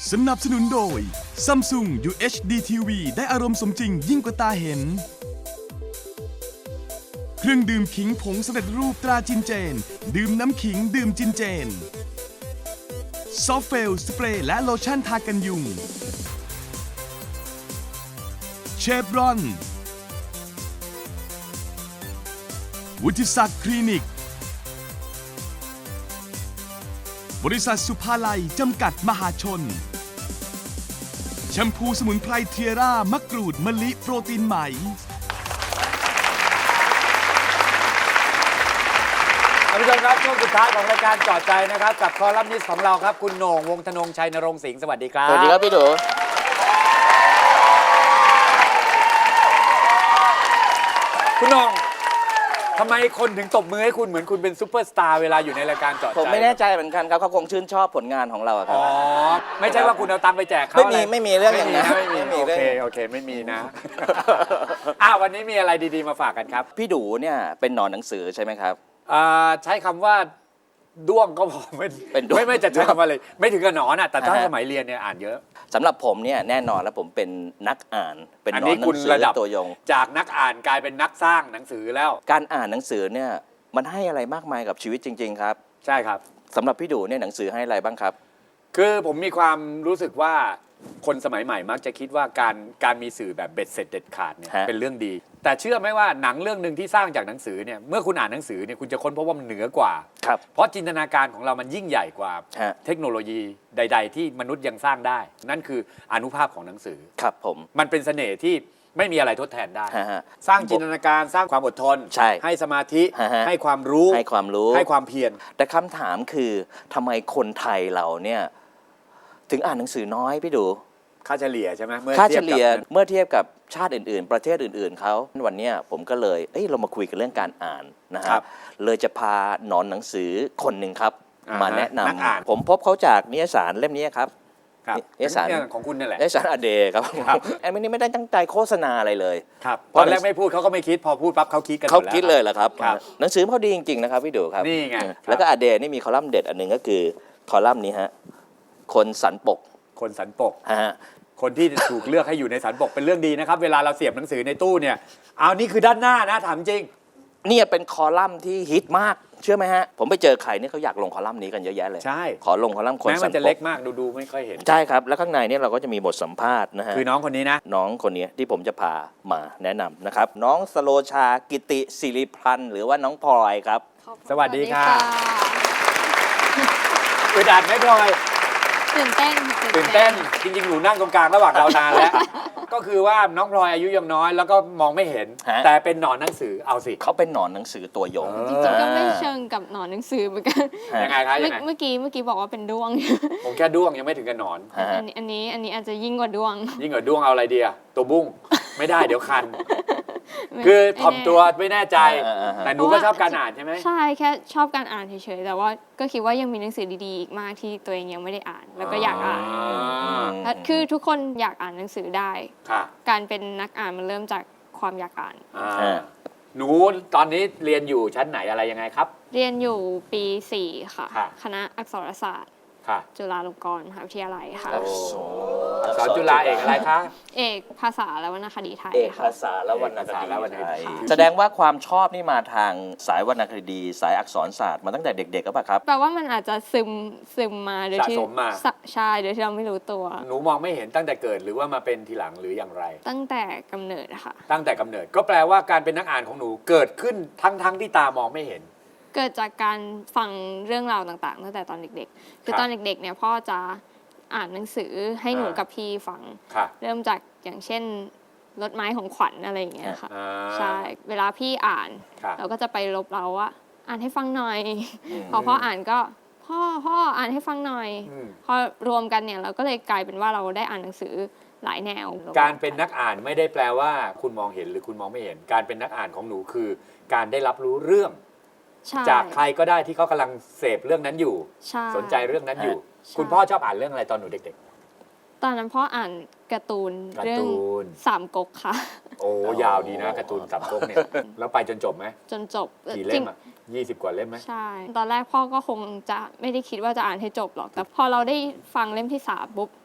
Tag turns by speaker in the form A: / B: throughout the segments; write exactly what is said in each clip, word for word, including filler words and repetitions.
A: สนับสนุนโดย Samsung ยู เอช ดี ที วี ได้อารมณ์สมจริงยิ่งกว่าตาเห็น เครื่องดื่มขิงผงสำเร็จรูปตราจินเจน ดื่มน้ำขิงดื่มจินเจน ซอฟเฟล สเปรย์และโลชั่นทากันยุง เชฟรอน วุฒิศักดิ์คลินิก บริษัทสุภาลัย จำกัดมหาชน แชมพูสมุนไพรเทียร่ามะกรูดมะลิโปรตีนไหม
B: ท่านผู้ชมครับช่วงสุดท้ายของรายการจอดใจนะครับกับคอลัมนิสต์ของเราครับคุณโหน่งวงศ์ธนงชัยนรงค์สิงห์สวัสดีครับ
C: สวัสดีครับพี่ดู
B: คุณโหน่งทำไมคนถึงตบมือให้คุณเหมือนคุณเป็นซูเปอร์สตาร์เวลาอยู่ในรายการจอดใจ
C: ผมไม่แน่ใจเหมือนกันครับเขาคงชื่นชอบผลงานของเราอะครั
B: อ๋
C: บ
B: อไม่ใช่ว่าคุณเอาตังค์ไปแจกเขา
C: ไม่มี
B: อะร
C: ไม่มีเรื่องอย่างนั้น
B: ไม่มี
C: ไม่มี
B: โอ
C: เรื่อง
B: เคโอเคไม่มีนะอ้าววันนี้มีอะไรดีๆมาฝากกันครับ
C: พี่ดูเนี่ยเป็นหนอนหนังสือใช่ไหมครับ
B: อ่าใช้คำว่าด้วงก็พอไม่
C: เป็นด้วง
B: ไม่ไม่จะใช้คำว่าอะไรไม่ถึงกับหนอนอ่ะแต่ถ้า
C: อ่าฮะ
B: สมัยเรียนเนี่ยอ่านเยอะ
C: สำหรับผมเนี่ยแน่นอนแล้วผมเป็นนักอ่าน เป็น
B: อัน
C: หนอ
B: นี้
C: นหนั
B: คุณ
C: งสือ
B: ระดับ
C: ตัวยง
B: จากนักอ่านกลายเป็นนักสร้างหนังสือแล้ว
C: การอ่านหนังสือเนี่ยมันให้อะไรมากมายกับชีวิตจริง ๆ ครับ
B: ใช่ครับ
C: สำหรับพี่ดูเนี่ยหนังสือให้อะไรบ้างครับ
B: คือผมมีความรู้สึกว่าคนสมัยใหม่มักจะคิดว่าการการมีสื่อแบบเบ็ดเสร็จเด็ดขาดเนี่ย
C: ฮะ
B: เป็นเรื่องดี แต่เชื่อไหมว่าหนังเรื่องหนึ่งที่สร้างจากหนังสือเนี่ยเมื่อคุณอ่านหนังสือเนี่ยคุณจะค้นพบว่ามันเหนือกว่า
C: ครับ
B: เพราะจินตนาการของเรามันยิ่งใหญ่กว่า
C: ฮะ
B: เทคโนโลยีใด ๆ ที่มนุษย์ยังสร้างได้ นั่นคืออานุภาพของหนังสือ
C: ครับผม
B: มันเป็นเสน่ห์ที่ไม่มีอะไรทดแทนได้
C: ฮะฮะ
B: สร้างจินตนาการสร้างความอดทน
C: ใช่
B: ให้สมาธิ
C: ฮะฮะ
B: ให้ความรู้
C: ให้ความรู้
B: ให้ความเพียร
C: แต่คำถามคือทำไมคนไทยเราเนี่ยถึงอ่านหนังสือน้อยพี่ดู
B: ค่าเฉลี่ยใช่ไหมเมื่อ
C: ค่า
B: ที
C: เฉ
B: ยบกับ
C: ลี่ยเมื่อเทียบกับชาติอื่น ๆ ประเทศอื่น ๆเขาวันเนี้ยผมก็เลยเอ้ยเรามาคุยกันเรื่องการอ่านนะฮะเลยจะพาหนอนหนังสือคนหนึ่งครับ
B: อ่าฮะ
C: มาแนะน
B: นักอ่าน
C: ำผมพบเขาจากนิยสารเล่มนี้ครับ
B: ครับ
C: เอกสาร
B: เนี่ยของคุณนี่แหละ
C: นิยสารอเดย์ครับ
B: ครับ
C: ไอ้ไม่นี่ไม่ได้ตั้งใจโฆษณาอะไรเลย
B: ครับ
C: เพ
B: ต
C: ราะ
B: อนแรกไม่พูดเขาก็ไม่คิดพอพูดปั๊บเขาคิดกันหม
C: เขา
B: ดแล้ว
C: คิดเลยเหรอครับ
B: ครับ
C: หนังสือเขาดีจริง ๆ นะครับพี่ดูครับ
B: นี่ไง
C: เออ
B: ครับ
C: แล้วก็อเดย์นี่มีคอลัมน์เด็ดอันหนึ่งก็คือคอลัมน์นี้ฮะคนสันปก
B: คนสันปก
C: ฮะ
B: คนที่ถูกเลือกให้อยู่ในสันปกเป็นเรื่องดีนะครับ เวลาเราเสียบหนังสือในตู้เนี่ยเอานี่คือด้านหน้านะถามจริง
C: เนี่ยเป็นคอลัมน์ที่ฮิตมากเชื่อไหมฮะผมไปเจอใครเนี่ยเขาอยากลงคอลัมน์นี้กันเยอะแยะเลย
B: ใช่
C: ขอลงคอลัมน์คน
B: แม้
C: สั
B: มัน นจะ
C: ป
B: เล็ก
C: ก
B: มากดูดูไม่ค่อยเห็น
C: ใช่ครับแล้วข้างในเนี่ยเราก็จะมีบทสัมภาษณ์นะฮะ
B: คือน้องคนนี้นะ
C: น้องคนนี้ที่ผมจะพามาแนะนำนะครับน้องสโลชากิติศิริพันธ์หรือว่าน้องพลอยครับ
B: สวัสดีค่ะ อึดอัดไหมพลอย
D: ตื่นเต้น
B: ตื่นเต้นจริงๆหนูนั่งตรงกลางระหว่างเรานานแล้ว ก็คือว่าน้องพลอยอายุยังน้อยแล้วก็มองไม่เห็น
C: ฮะ
B: แต่เป็นหนอนหนังสือเอาสิ
C: เขาเป็นหนอนหนังสือตัวยง
B: เออ
D: จริงๆก็ไม่เชิงกับหนอนหนังสือเหมือนกัน
C: ฮะ
B: ยังไงคะ
D: เมื่
B: ยั
D: อง
B: ไง
D: เมื่อกี้เมื่อกี้บอกว่าเป็นด้วง
B: ผมแค่ด้วงยังไม่ถึงกับหนอน
C: ฮะ
D: อันนี้อันนี้อันนี้อาจจะยิ่งกว่าด้วง
B: ยิ่งกว่าด้วงเอาอะไรดีอะตัวบุ้งไม่ได้เดี๋ยวคัน คือถ่อมตัวไม่แน่ใจ
C: เออเออเออ
B: แต่หนูก็ชอบการอ่านใช่ไหม
D: ใช่แค่ชอบการอ่านเฉยๆแต่ว่าก็คิดว่ายังมีหนังสือดีๆอีกมากที่ตัวเองยังไม่ได้อ่าน แล้วก็อยากอ่าน
B: า
D: และคือทุกคนอยากอ่านหนังสือได้
B: ค่ะ
D: การเป็นนักอ่านมันเริ่มจากความอยากอ่าน
B: อ่า
C: ฮะ
B: หนูตอนนี้เรียนอยู่ชั้นไหนอะไรยังไงครับ
D: เรียนอยู่ปีสี่ค่ะ
B: ค่ะ
D: คณะอักษรศาสตร์
B: ค่ะ
D: จุฬาลงกรณ์มหาวิทยาลัยค่ะ
B: โอ้อักษรจุฬาเอกอะไรคะ
D: เอกภาษาและวรรณคดีไทย
C: เอก
D: ค่ะ
C: ภาษาและวรรณค
B: เอกภาษาและวรรณค
C: ดี
B: ดี
C: ไทย
D: ค่ะ
C: แสดงว่าความชอบนี่มาทางสายวรรณคดี สายอักษรศาสตร์มาตั้งแต่เด็กๆก็ปล่ะครับ
D: แปลว่ามันอาจจะซึมซึมมาโดยที่
B: สะสมมา
D: สะใช่โดยที่เราไม่รู้ตัว
B: หนูมองไม่เห็นตั้งแต่เกิดหรือว่ามาเป็นทีหลังหรืออย่างไร
D: ตั้งแต่กำเนิดอะค่ะ
B: ตั้งแต่กำเนิดก็แปลว่าการเป็นนักอ่านของหนูเกิดขึ้นทั้งทั้งที่ตามองไม่เห็น
D: เกิดจากการฟังเรื่องราวต่างๆตั้งแต่ตอนเด็กๆ คือ
B: ครับ
D: ตอนเด็กๆเนี่ยพ่อจะอ่านหนังสือให้หนู
B: อ่ากั
D: กับพี่ฟัง
B: ค่ะ
D: เริ่มจากอย่างเช่นรถไม้ของขวัญอะไรอย่างเงี้ยค่ะ
B: อ่า
D: ใช่เวลาพี่อ่าน
B: ค่ะ
D: เราก็จะไปลบเราว่าอ่านให้ฟังหน่อย
C: อืม
D: พอพ่ออ่านก็พ่อพ่ออ่านให้ฟังหน่อย
B: อืม
D: พอรวมกันเนี่ยเราก็เลยกลายเป็นว่าเราได้อ่านหนังสือหลายแนว
B: การเป็นนักอ่านไม่ได้แปลว่าคุณมองเห็นหรือคุณมองไม่เห็น การเป็นนักอ่านของหนูคือ การได้รับรู้เรื่อง
D: ใช่
B: จากใครก็ได้ที่เขากำลังเสพเรื่องนั้นอยู่
D: ใช่
B: สนใจเรื่องนั้นอยู่
D: ใช่
B: คุณพ่อชอบอ่านเรื่องอะไรตอนหนูเด็ก
D: ตอนนั้นพ่ออ่านการ์ตูน
B: การ์
D: เรื่อง
B: ตูน
D: สามก๊กค่ะ
B: ๆ โอ้ยาวดีนะการ์ตูนสับก๊กเนี่ย แล้วไปจนจบไหม
D: จนจบ
B: กี่
D: จ
B: เล่
D: ริ
B: ม
D: ง
B: อ่ะยี่สิบกว่าเล่มไหม
D: ใช่ ตอนแรกพ่อก็คงจะไม่ได้คิดว่าจะอ่านให้จบหรอก แต่พอเราได้ฟังเล่มที่สามปุ๊บพ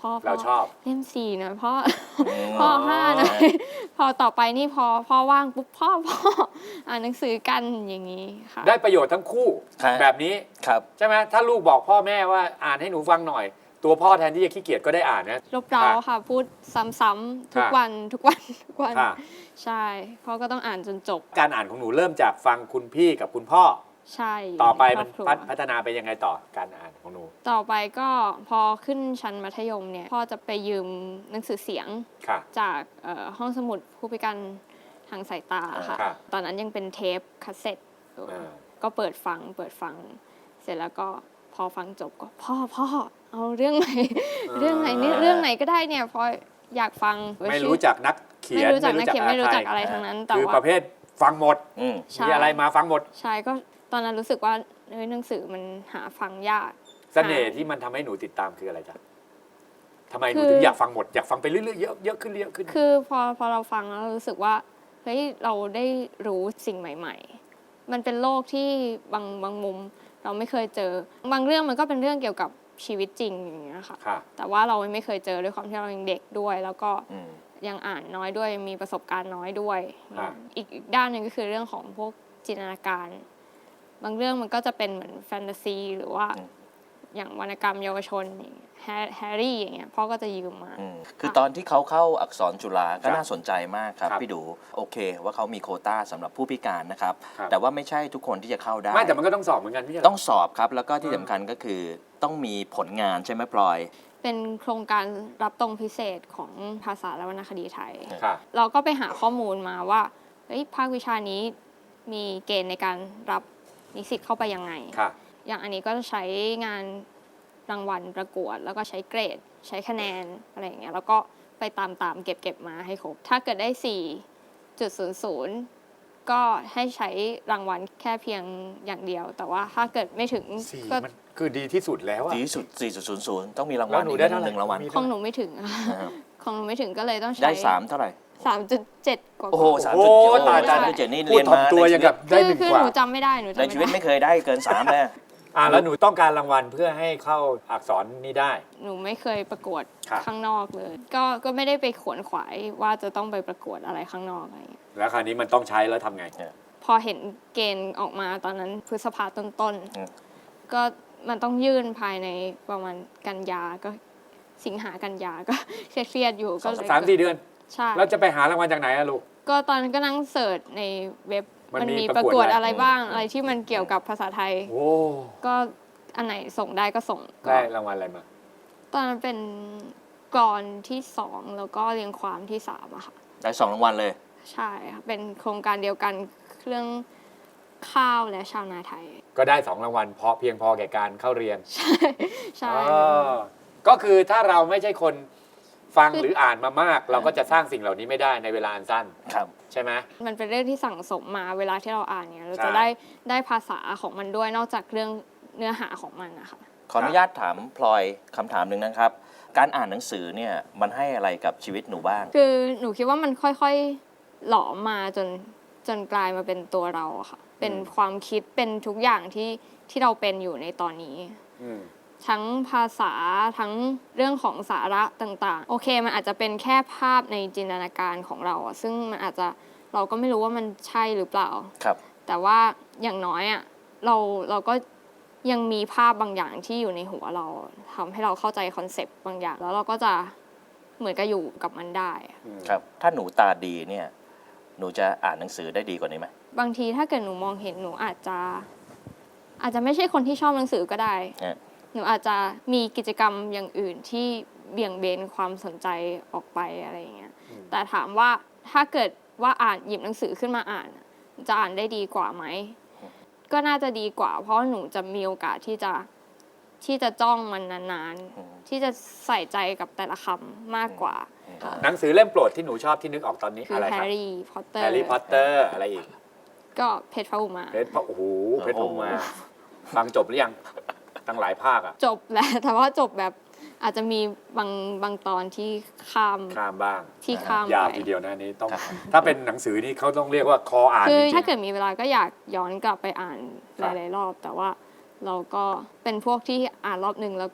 D: พ่อ
B: เราชอบ
D: เล่มสี่นะพ่อพ่อห้านะพอต่อไปนี่พอพ่อว่างปุ๊บพ่อพ่ออ่านหนังสือกันอย่างนี้ค่ะ
B: ได้ประโยชน์ทั้งคู่
C: ครับ
B: แบบนี้
C: ครับ
B: ใช่ไหมถ้าลูกบอกพ่อแม่ว่าอ่านให้หนูฟังหน่อย ตัวพ่อแทนที่จะขี้เกียจก็ได้อ่านนะ
D: รบเร้าค่ะ พูดซ้ำๆทุกวันทุกวันทุกวัน
B: ค่ะ
D: ใช่พ่อก็ต้องอ่านจนจบ
B: การอ่านของหนูเริ่มจากฟังคุณพี่กับคุณพ่อ
D: ใช่ยู่
B: ต่อไป
D: ใน
B: มัน
D: ครอบครัว
B: พัฒพัฒนาไปยังไงต่อการอ่านของหนู
D: ต่อไปก็พอขึ้นชั้นมัธยมเนี่ยพ่อจะไปยืมหนังสือเสียง
B: ค่ะ
D: จากเอ่อห้องสมุดผู้พิการทางสายตาค่ะ
B: ครับ
D: ตอนนั้นยังเป็นเทปคาสเซ็ตอยู่
B: อ่า
D: ก็เปิดฟังเปิดฟัง เสร็จแล้วก็พอฟังจบก็พ่อพ่อเอาเรื่องไหนเรื่องไหนนี่เรื่องไหนก็ได้เนี่ยพออยากฟัง
B: ไม่รู้จักนักเขียน
D: ไม่รู้จักนักเขียนไม่รู้จัก
B: ใค
D: อะไรทั้งนั้นแต่
B: คือ
D: ว่า
B: ประเภทฟังหมด
C: อืม
D: ใช่
B: มีอะไรมาฟังหมด
D: ใช่ก็ตอนนั้นรู้สึกว่าเอ้ยหนังสือมันหาฟังยาก
B: เสน่ห์ที่มันทำให้หนูติดตามคืออะไรจ๊ะทำไมห
D: คื
B: นู
D: อ
B: ถึงอยากฟังหมดอยากฟังไปเรื่อยๆเยอะเยอะขึ้นเยอะขึ้น
D: คือพอพอเราฟังแล้วเรารู้สึกว่าเฮ้ยเราได้รู้สิ่งใหม่ ๆ มันเป็นโลกที่บางบางมุมเราไม่เคยเจอบางเรื่องมันก็เป็นเรื่องเกี่ยวกับชีวิตจริงอย่างเงี้ยค่ะ
B: ค่ะ
D: แต่ว่าเราไม่เคยเจอด้วยความที่เรายังเด็กด้วย แล้วก็
C: อืม
D: ยังอ่านน้อยด้วยมีประสบการณ์น้อยด้วย
B: ครับ
D: อีกอีกด้านหนึ่งก็คือเรื่องของพวกจินตนาการ บางเรื่องมันก็จะเป็นเหมือนแฟนตาซีหรือว่า
C: อืม
D: อย่างวรรณกรรมเยาวชนอย่างเงี้ยแฮร์แฮร์รี่อย่างเงี้ยพ่อก็จะยืมมา
C: อืมคือตอนที่เขาเข้าอักษรจุฬาก็
B: ครับ
C: น่าสนใจมากครับ
B: ครับ
C: พี่ดูโอเคว่าเขามีโควต้าสำหรับผู้พิการนะครับ
B: ครับ
C: แต่ว่าไม่ใช่ทุกคนที่จะเข้าได้
B: ไม่แต่มันก็ต้องสอบเหมือนกันพี่
C: ต้องสอบครับ แล้วก็ที่สำคัญก็คือต้องมีผลงานใช่ไหมพลอย
D: เป็นโครงการรับตรงพิเศษของภาษาและวรรณคดีไทย
B: ค่ะ
D: เราก็ไปหาข้อมูลมาว่าเฮ้ยภาควิชานี้มีเกณฑ์ในการรับนิสิตเข้าไปยังไง
B: ค่ะ
D: อย่างอันนี้ก็จะใช้งานรางวัลประกวด แล้วก็ใช้เกรด ใช้คะแนนอะไรอย่างเงี้ยแล้วก็ไปตามตามๆเก็บเก็บมาให้ครบ ถ้าเกิดได้ สี่จุดศูนย์ศูนย์ ก็ให้ใช้รางวัลแค่เพียงอย่างเดียว แต่ว่าถ้าเกิดไม่ถึง
B: สี่
D: ก็
B: มันคือดีที่สุดแล้วอะ
C: ดีที่สุด สี่จุดศูนย์ศูนย์ ต้องมีราง
B: แล้
C: วัล
B: วหนู
C: อีก
B: ได้
C: ห
B: เท่าไหร่
C: นึ่งรางวัล
B: มี
D: ของหนูไม่ถึงอะ
C: นะครับ
D: ของหนูไม่ถึงก็เลยต้องใช้
C: ได้สามเท่าไหร่
D: สามจุดเจ็ดกว่าๆ
C: โอ้โหสาม
B: โอ้
C: จุดเจ็ด
B: ตาย
C: สา
B: ตาม ย
C: จุดเจ็ดนี่
B: พูด
C: เรียน
B: ถ่อม
C: มา
B: ตัว
C: ใน
B: อย่าง
C: ชีวิ
B: กั
C: ต
B: บได้
D: คือ
B: หนึ่ง
D: คือก
B: ว่า
D: หนูจำไม่ได้หนูจำ
C: ใน
D: ไม่
C: ชีวิต
D: ได้
C: ไม่เคยได้เกินสามเลย
B: อ่าแล้วหนูต้องการรางวัลเพื่อให้เข้าอักษรนี้ได้
D: หนูไม่เคยประกวด
B: ครับ
D: ข้างนอกเลย ก็ก็ไม่ได้ไปขวนขวายว่าจะต้องไปประกวดอะไรข้างนอกอะไรอย่างเงี้ย
B: แล้วคราวนี้มันต้องใช้แล้วทำไง
D: พอเห็นเกณฑ์ออกมาตอนนั้นพฤษภาต้น
C: อืม
D: ๆก็มันต้องยื่นภายในประมาณกันยาก็สิงหากันยาก็ เครียดๆอยู่ก็เลย
B: สามสี่เดือน
D: ใช่
B: แล้วจะไปหารางวัลจากไหนอะลูก
D: ก็ตอนนั้นก็นั่งเสิร์ชในเว็บ
B: มันมี
D: มี
B: ป
D: ประ ระ
B: ก
D: ก
B: ว
D: ว
B: ด
D: ด
B: อะไร
D: อะไรบ้างอะไรที่มันเกี่ยวกับภาษาไทย
B: โอ้
D: ก็อันไหนส่งได้ก็ส่งก็
B: ได้รางวัลอะไรมา
D: ตอนนั้นเป็นกรอนที่สองแล้วก็เรียงความที่สามอะค่ะ
C: ได้สองรางวัลเลย
D: ใช่ค่ะเป็นโครงการเดียวกันเรื่องข้าวและชาวนาไทย
B: ก็ได้สองรางวัลเพราะเพียงพอแก่การเข้าเรียน
D: ใช่ใช่
B: อ๋อก็คือถ้าเราไม่ใช่คนฟัง
D: คือ
B: หรืออ่านมามาก เราก็จะสร้างสิ่งเหล่านี้ไม่ได้ในเวลาอันสั้น
C: ครับ
B: ใช่ไหม
D: มันเป็นเรื่องที่สั่งสมมาเวลาที่เราอ่านเนี่ยเรา
B: ใช่
D: จะได้ได้ภาษาของมันด้วยนอกจากเรื่องเนื้อหาของมันนะคะ
C: ขออนุญาตถามพลอยคำถามหนึ่งนะครับ การอ่านหนังสือเนี่ยมันให้อะไรกับชีวิตหนูบ้าง
D: คือหนูคิดว่ามันค่อยๆหลอมมาจนจนกลายมาเป็นตัวเราอะค่ะ เป็นความคิดเป็นทุกอย่างที่ที่เราเป็นอยู่ในตอนนี้
B: อืม
D: ทั้งภาษาทั้งเรื่องของสาระต่างๆ โอเคมันอาจจะเป็นแค่ภาพในจินตนาการของเราอะซึ่งมันอาจจะเราก็ไม่รู้ว่ามันใช่หรือเปล่า
C: ครับ
D: แต่ว่าอย่างน้อยอะเราเราก็ยังมีภาพบางอย่างที่อยู่ในหัวเราทำให้เราเข้าใจคอนเซปต์บางอย่าง แล้วเราก็จะเหมือนกับอยู่กับมันได้
C: ครับ ถ้าหนูตาดีเนี่ย หนูจะอ่านหนังสือได้ดีกว่านี้ไหม
D: บางทีถ้าเกิดหนูมองเห็นหนูอาจจะ อาจจะไม่ใช่คนที่ชอบหนังสือก็ได้
C: เนี่ย
D: หนูอาจจะมีกิจกรรมอย่างอื่นที่เบี่ยงเบนความสนใจออกไปอะไรอย่างเงี้ย แต่ถามว่าถ้าเกิดว่าอ่านหยิบหนังสือขึ้นมาอ่านอะจะอ่านได้ดีกว่าไหม ก็น่าจะดีกว่า เพราะหนูจะมีโอกาสที่จะที่จะจ้องมันนานๆ ที่จะใส่ใจกับแต่ละคำมากกว่าค่ะ
B: หนังสือเล่มโปรดที่หนูชอบที่นึกออกตอนนี้
D: คือ
B: อะไร
D: แฮ
B: ครับ
D: ร์รี่พอตเตอร์
B: แฮร์รี่พอตเตอร์อะไรอีก
D: ก็เพชรพระอุมา
B: เพชรพระโอ้โหเพชรพระอุมาฟังจบหรือยังตั้งหลายภาคอะ
D: จบแล้ว แต่ว่าจบแบบอาจจะมีบางบางตอนที่ข้าม
B: ข้ามบ้าง
D: ที่ข้าม
B: ยาว
D: ไป
B: ทีเดียวนะอันนี้ต้อง ถ้าเป็นหนังสือนี่เขาต้องเรียกว่าคออ่าน
D: คื
B: จ
D: อ
B: ริง
D: ถ้าเกิดมีเวลาก็อยากย้อนกลับไปอ่าน
B: ครั
D: ห
B: บ
D: ลายๆรอบ แต่ว่าเราก็เป็นพวกที่อ่านรอบหนึ่งแล้วก็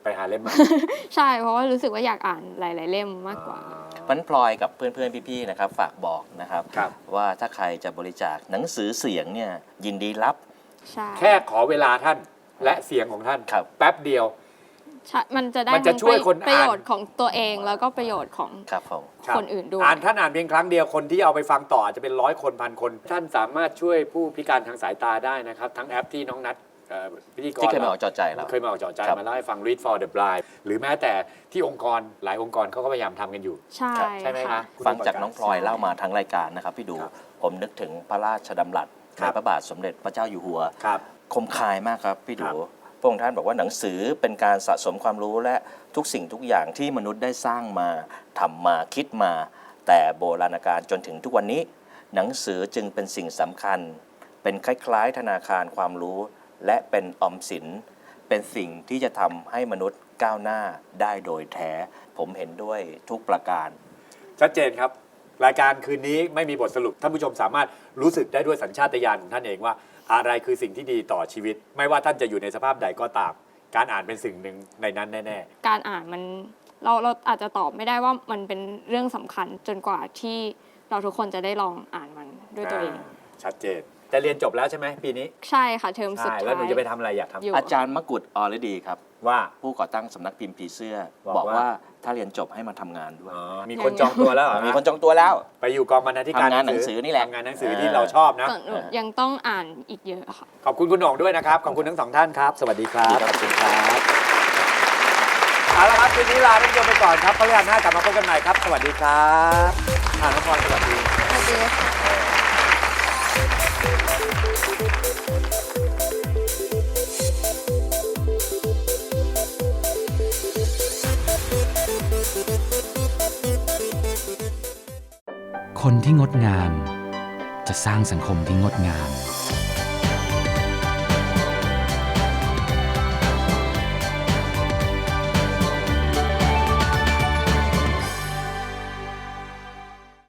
B: ไปหาเล่มมา
D: ใช่เพราะว่ารู้สึกว่าอยากอ่านหลาย ๆ เล่มมากกว่า
C: เพราะฉะนั้นพลอยกับเพื่อนๆพี่ๆนะครับฝากบอกนะครับ
B: ครับ
C: ว่าถ้าใครจะบริจาคหนังสือเสียงเนี่ยยินดีรับ
D: ใช่
B: แค่ขอเวลาท่านและเสียงของท่าน
C: ครับ
B: แป๊บเดียว
D: ใช่มันจะได้
B: มันจะช่วยคนอ่าน
D: ประโยชน์ของตัวเองแล้วก็ประโยชน์ของ
C: ครับผม
B: รับ
D: คนอื่นด้วย
B: อ่านท่านอ่านเพียงครั้งเดียวคนที่เอาไปฟังต่ออาจจะเป็นร้อยคนพันคน ท่านสามารถช่วยผู้พิการทางสายตาได้นะครับ ทั้งแอปที่น้องนัทเอ่อพิธีกร
C: ที่เคยมาออกจอใจเรา
B: เคยมาออกจอใจ
C: ครับ
B: มาเล่าให้ฟัง Read for the Blind หรือแม้แต่ที่องค์กรหลายองค์กรเขาก็พยายามทำกันอยู่
D: ใช่
B: ใช่ไหม
D: ค่ะ
B: คะ
C: ฟังจากน้องพลอยเล่ามาทั้งรายการนะครับพี่ดู
B: ครับ
C: ผมนึกถึงพระราชดำรัส
B: ครั
C: ใน
B: บ
C: พระบาทสมเด็จพระเจ้าอยู่หัว
B: ครับ
C: คมคายมากครับพี่
B: ครั
C: ดู
B: บ
C: พระองค์ท่านบอกว่าหนังสือเป็นการสะสมความรู้และทุกสิ่งทุกอย่างที่มนุษย์ได้สร้างมาทำมาคิดมา แต่โบราณกาลจนถึงทุกวันนี้ หนังสือจึงเป็นสิ่งสำคัญ เป็นคล้ายๆ ธนาคารความรู้ และเป็นออมสิน เป็นสิ่งที่จะทำให้มนุษย์ก้าวหน้าได้โดยแท้ ผมเห็นด้วยทุกประการ
B: ชัดเจนครับ รายการคืนนี้ไม่มีบทสรุปท่านผู้ชมสามารถรู้สึกได้ด้วยสัญชาตญาณของท่านเองว่า อะไรคือสิ่งที่ดีต่อชีวิต ไม่ว่าท่านจะอยู่ในสภาพใดก็ตาม การอ่านเป็นสิ่งหนึ่งในนั้นแน่
D: การอ่านมันเราเราอาจจะตอบไม่ได้ว่ามันเป็นเรื่องสำคัญจนกว่าที่เราทุกคนจะได้ลองอ่านมันด้วย
B: ๆ
D: ตัวเอง
B: อ่าชัดเจน จะเรียนจบแล้วใช่ไหมปีนี้
D: ใช่ค่ะเทอมสุด
B: ใช่
D: ท้าย
B: แล้วหนูจะไปทำอะไรอยากทำ
D: อยู่
C: อาจารย์มกุฎอรดีครับ
B: ว่า
C: ผู้ก่อตั้งสำนักพิมพ์ผีเสื้อ
B: บอก
C: บอก
B: ว่า
C: ว่าถ้าเรียนจบให้มาทำงานด้วย
B: อ๋อมีคนจองตัวแล้วเหรอ
C: มีคนจองตัวแล้ว
B: ไปอยู่กองบรรณาธิการ
C: ทำงานหนังสือนี่แหละ
B: ทำงานหนังสือ
C: เออ
B: ที่เราชอบนะ
D: ส่วนหนูยังต้องอ่านอีกเยอะค่ะ
B: ขอบคุณคุณโหน่งด้วยนะครับ ขอบคุณทั้งสองท่านครับ สวัสดีครับ ขอบคุณครับเอาละครับคืนนี้ลาท่านผู้ชมไปก่อนครับพฤหัสหน้ากลับมาพบกันใหม่ครับ สวัสดีครับอ่าน้องพรสวัสดี
D: สวัสดีค่ะ
E: คนที่งดงาม จะสร้างสังคมที่งดงาม